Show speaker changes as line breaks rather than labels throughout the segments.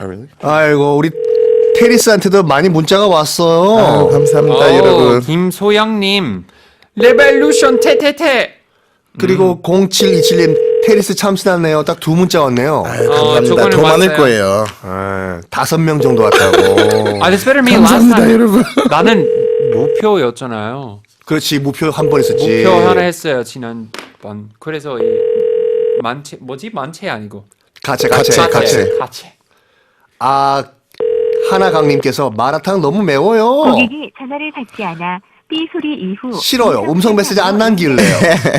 really?
아이고 우리 테리스한테도 많이 문자가 왔어요.
아유, 감사합니다, 여러분.
김소영님 레볼루션 테테테.
그리고 0727님 테리스 참 신났네요. 딱 두 문자 왔네요.
아유, 감사합니다.
저거는
더 많을
왔어요.
거예요.
5명 정도 왔다고.
That's better me last
감사합니다,
time.
여러분.
나는 무표였잖아요.
그렇지 무표 한 번 있었지.
무표 하나 했어요 지난번. 그래서 이 만체 만체 아니고
가채. 아 하나강님께서 마라탕 너무 매워요.
고객이 전화를 받지 않아 삐 소리 이후
싫어요. 음성 메시지 안 남길래요.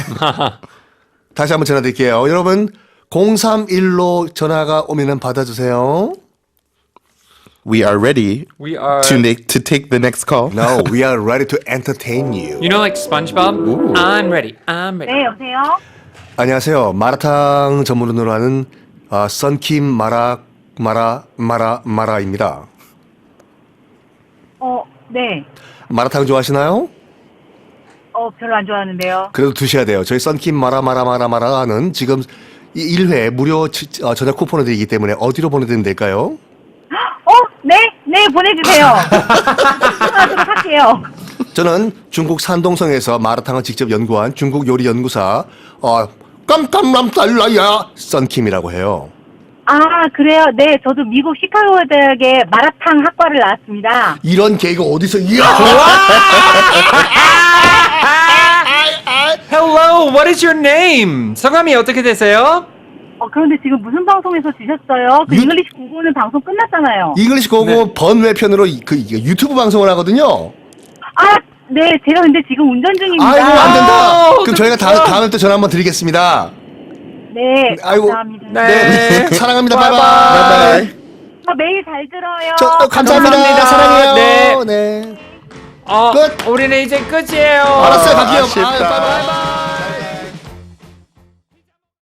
다시 한번 전화 드릴게요. 여러분 031로 전화가 오면은 받아주세요.
We are ready
We are.
to take the next call.
No, we are ready to entertain you.
You know like SpongeBob? I'm ready. I'm ready.
네, 여보세요?
안녕하세요. 마라탕 전문으로 하는 썬킴 마라입니다.
네.
마라탕 좋아하시나요?
별로 안 좋아하는데요.
그래도 드셔야 돼요. 저희 썬킴 마라는 지금 1회 무료 전화 쿠폰을 드리기 때문에 어디로 보내드리면 될까요?
네, 보내주세요. 하도록 할게요.
저는 중국 산동성에서 마라탕을 직접 연구한 중국 요리 연구사 깜깜람달라야 썬킴이라고 해요.
아, 그래요? 네, 저도 미국 시카고 대학의 마라탕 학과를 나왔습니다.
이런 개그 어디서 이야?
Hello, what is your name? 성함이 어떻게 되세요?
그런데 지금 무슨 방송에서 주셨어요? 그 잉글리시 구고는 방송 끝났잖아요.
잉글리시 고고
네.
번외편으로 유튜브 방송을 하거든요.
네, 제가 근데 지금 운전 중입니다.
아이고 안 된다.
아우,
그럼 저희가 다음에 또 전화 한번 드리겠습니다.
네,
아이고.
감사합니다.
네.
사랑합니다.
바이바이.
바이바이.
매일 잘 들어요.
감사합니다.
감사합니다.
사랑해요.
네.
네.
어,
끝.
우리는 이제 끝이에요.
알았어요. 갈게요.
아쉽다.
바이바이.